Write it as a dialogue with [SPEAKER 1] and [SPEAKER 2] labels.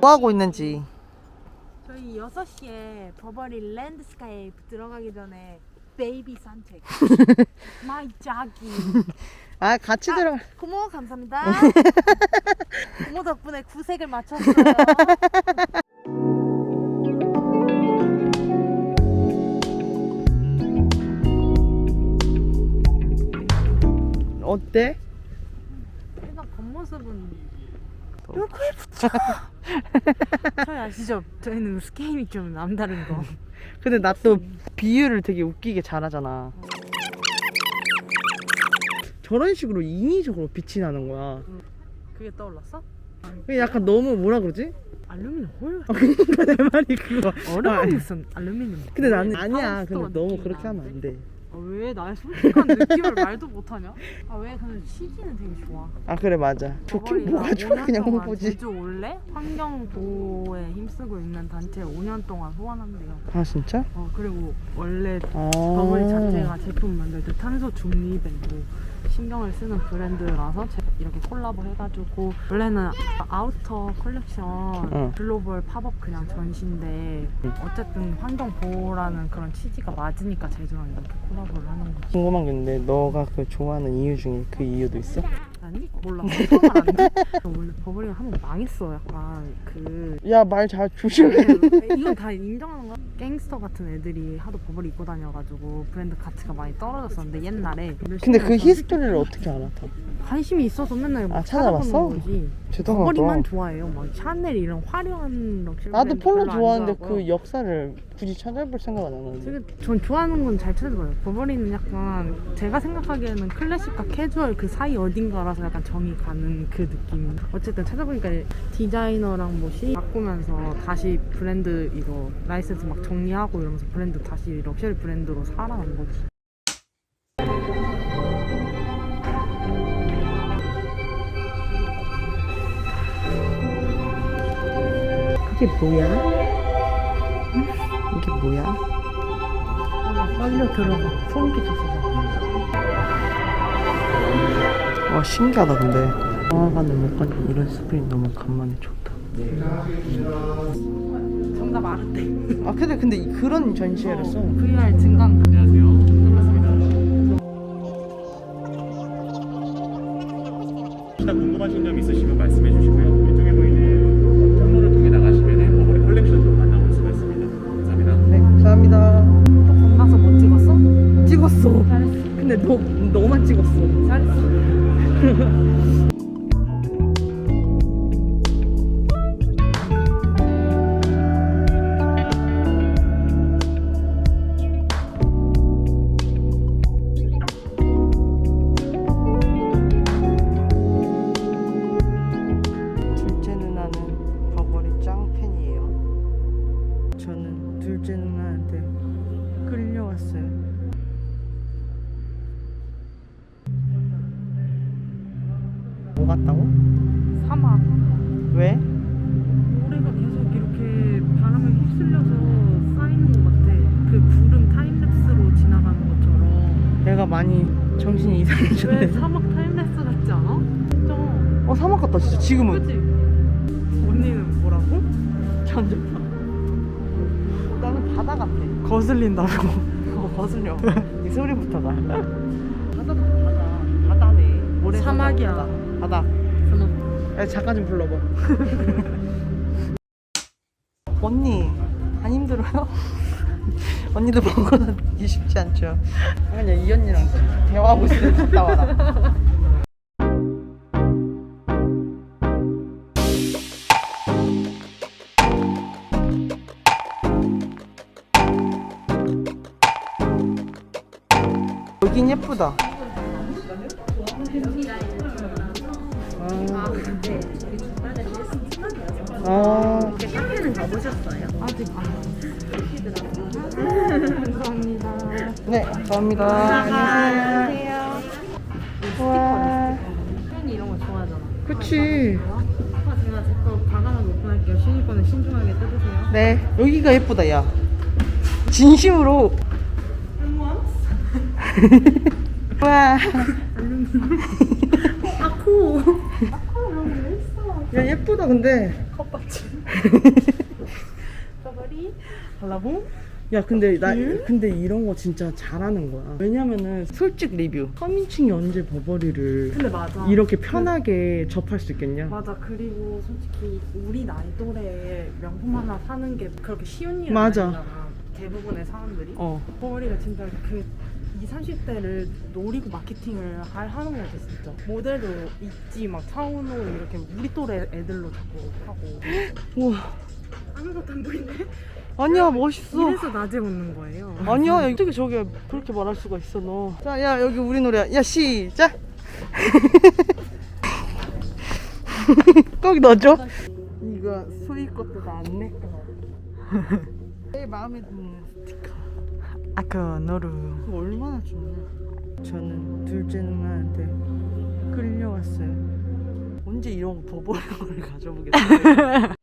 [SPEAKER 1] 뭐 하고 있는지.
[SPEAKER 2] 저희 6시에 버버리 랜드스케이프 들어가기 전에 베이비 산책. 마이 자기.
[SPEAKER 1] 아, 같이 들어.
[SPEAKER 2] 고모 감사합니다. 고모 덕분에 구색을 맞췄어요.
[SPEAKER 1] 어때?
[SPEAKER 2] 일단 겉모습은 이렇게 예쁘죠? 저희 아시죠? 저희는 스케일이 좀 남다른 거.
[SPEAKER 1] 근데 나 또 비유를 되게 웃기게 잘하잖아. 저런 식으로 인위적으로 빛이 나는 거야.
[SPEAKER 2] 그게 떠올랐어?
[SPEAKER 1] 그게 약간 너무 뭐라 그러지?
[SPEAKER 2] 알루미늄 홀?
[SPEAKER 1] 그러니까 내 말이 그거.
[SPEAKER 2] 얼음이 무슨 알루미늄.
[SPEAKER 1] 근데 나는
[SPEAKER 2] 홀?
[SPEAKER 1] 아니야. 근데
[SPEAKER 2] 파우스토어
[SPEAKER 1] 너무
[SPEAKER 2] 느낌이
[SPEAKER 1] 그렇게 하면 안
[SPEAKER 2] 나는데?
[SPEAKER 1] 돼.
[SPEAKER 2] 왜 나의 솔직한 느낌을 말도 못하냐? 아 왜 근데 취지는 되게 좋아.
[SPEAKER 1] 아 그래 맞아. 좋긴
[SPEAKER 2] 버버리가
[SPEAKER 1] 뭐가 좋아
[SPEAKER 2] 5년
[SPEAKER 1] 그냥
[SPEAKER 2] 동안
[SPEAKER 1] 홍보지.
[SPEAKER 2] 제주 올레 환경 보호에 힘쓰고 있는 단체 5년 동안 후원한대요.
[SPEAKER 1] 아 진짜?
[SPEAKER 2] 그리고 원래
[SPEAKER 1] 아.
[SPEAKER 2] 버버리 자체가 제품 만들 때 탄소 중립에도 신경을 쓰는 브랜드라서 이렇게 콜라보 해가지고 원래는 아우터 컬렉션 글로벌 팝업 그냥 전시인데 어쨌든 환경 보호라는 그런 취지가 맞으니까 제주랑 이렇게 콜라보를 하는 거지.
[SPEAKER 1] 궁금한 게 있는데 너가 그 좋아하는 이유 중에 그 이유도 있어?
[SPEAKER 2] 아니? 몰라. 설명을 안 돼? 원래 버버리가 한번 망했어. 약간
[SPEAKER 1] 야 말 잘 조심해.
[SPEAKER 2] 이건 다 인정하는 거야. 갱스터 같은 애들이 하도 버버리 입고 다녀가지고 브랜드 가치가 많이 떨어졌었는데 옛날에.
[SPEAKER 1] 근데 그 히스토리를 어떻게 알아? 다?
[SPEAKER 2] 관심이 있어서 맨날 막
[SPEAKER 1] 찾아봤어?
[SPEAKER 2] 찾아보는 거지.
[SPEAKER 1] 대단하다.
[SPEAKER 2] 버버리만 좋아해요. 막 샤넬 이런 화려한 럭셔리
[SPEAKER 1] 나도
[SPEAKER 2] 브랜드
[SPEAKER 1] 폴로
[SPEAKER 2] 별로 안
[SPEAKER 1] 좋아하는데
[SPEAKER 2] 좋아하고요.
[SPEAKER 1] 그 역사를 굳이 찾아볼 생각 안 하는데.
[SPEAKER 2] 되게 전 좋아하는 건 잘 찾아봐요. 버버리는 약간 제가 생각하기에는 클래식과 캐주얼 그 사이 어딘가라서 약간 정이 가는 그 느낌. 어쨌든 찾아보니까 디자이너랑 뭐 시 바꾸면서 다시 브랜드 이거 라이센스 막 정리하고 이러면서 브랜드 다시 럭셔리 브랜드로 살아난 거지.
[SPEAKER 1] 이게 뭐야? 이게 뭐야?
[SPEAKER 2] 빨려 들어가. 소름 끼쳤어.
[SPEAKER 1] 와 신기하다 근데. 영화관을 못 가니 이런 스크린 너무 간만에 좋다.
[SPEAKER 2] 정답 알았대.
[SPEAKER 1] 아 근데 그런 전시회였어.
[SPEAKER 2] VR 증강.
[SPEAKER 3] 혹시나 궁금하신 점 있으시면 말씀해 주시고요. 왼쪽에 보이는 통로를 통해 나가시면 버버리 컬렉션도 만나볼 수가 있습니다. 감사합니다.
[SPEAKER 1] 네 감사합니다.
[SPEAKER 2] 또 건너서 뭐 찍었어?
[SPEAKER 1] 찍었어.
[SPEAKER 2] 잘했어.
[SPEAKER 1] 근데 너만 찍었어.
[SPEAKER 2] 잘했어.
[SPEAKER 1] 둘째 누나는 버버리 짱팬이에요. 저는 둘째 누나한테 끌려왔어요. 뭐 같다고?
[SPEAKER 2] 사막.
[SPEAKER 1] 왜?
[SPEAKER 2] 모래가 계속 이렇게 바람에 휩쓸려서 쌓이는 것 같아. 그 구름 타임랩스로 지나가는 것처럼.
[SPEAKER 1] 내가 많이 정신이
[SPEAKER 2] 왜
[SPEAKER 1] 이상해졌네.
[SPEAKER 2] 사막 타임랩스 같지 않아? 진짜.
[SPEAKER 1] 사막 같다 진짜 지금은.
[SPEAKER 2] 그치? 언니는 뭐라고?
[SPEAKER 1] 전주파. 나는 바다 같아. 거슬린다고. 거슬려. 이 소리부터가. 바다네. 모래
[SPEAKER 2] 사막이야.
[SPEAKER 1] 바다.
[SPEAKER 2] 사막.
[SPEAKER 1] 야, 잠깐 좀 불러봐. 언니 안 힘들어요? 언니도 먹어다니기 쉽지 않죠. 그냥 이 언니랑 대화하고 있을 때 갔다 와라. 여긴 예쁘다.
[SPEAKER 2] 카페는 가보셨어요? 아직 안 감사합니다.
[SPEAKER 1] 네, 감사합니다. 안녕하세요. 와,
[SPEAKER 2] 팬이 이런 거 좋아하잖아.
[SPEAKER 1] 그치.
[SPEAKER 2] 제가 제 거 과감하게 오픈할게요. 신이 거는 신중하게 뜯으세요.
[SPEAKER 1] 네, 여기가 예쁘다, 야. 진심으로. 와.
[SPEAKER 2] 아코.
[SPEAKER 1] 야, 예쁘다, 근데.
[SPEAKER 2] 컵받침. 버버리 발라봉.
[SPEAKER 1] 야 근데 근데 이런 거 진짜 잘하는 거야. 왜냐면은 솔직 리뷰 서민층이 언제 버버리를
[SPEAKER 2] 근데 맞아.
[SPEAKER 1] 이렇게 편하게 접할 수 있겠냐?
[SPEAKER 2] 맞아. 그리고 솔직히 우리 나이 또래 명품 하나 사는 게 그렇게 쉬운 일은
[SPEAKER 1] 맞아.
[SPEAKER 2] 아니잖아. 대부분의 사람들이.
[SPEAKER 1] 어.
[SPEAKER 2] 버버리가 진짜 그 20, 30대를 노리고 마케팅을 하는 거 같아 진짜. 모델도 있지 막 차은우 이렇게 우리 또래 애들로 자꾸 하고.
[SPEAKER 1] 우와.
[SPEAKER 2] 아무것도 안 보이네.
[SPEAKER 1] 아니야 멋있어.
[SPEAKER 2] 이래서 낮에 웃는 거예요.
[SPEAKER 1] 아니야 야, 어떻게 저게 그렇게 말할 수가 있어 너. 자, 야 여기 우리 노래야. 야 시작. 꼭 넣어줘. 이거 소희 것도 다 안 내 거. 제일 마음에 드는 스티커. 아까 너를 얼마나 좋냐. 저는 둘째 누나한테 끌려왔어요. 언제 이런 버버리를 가져보겠어요.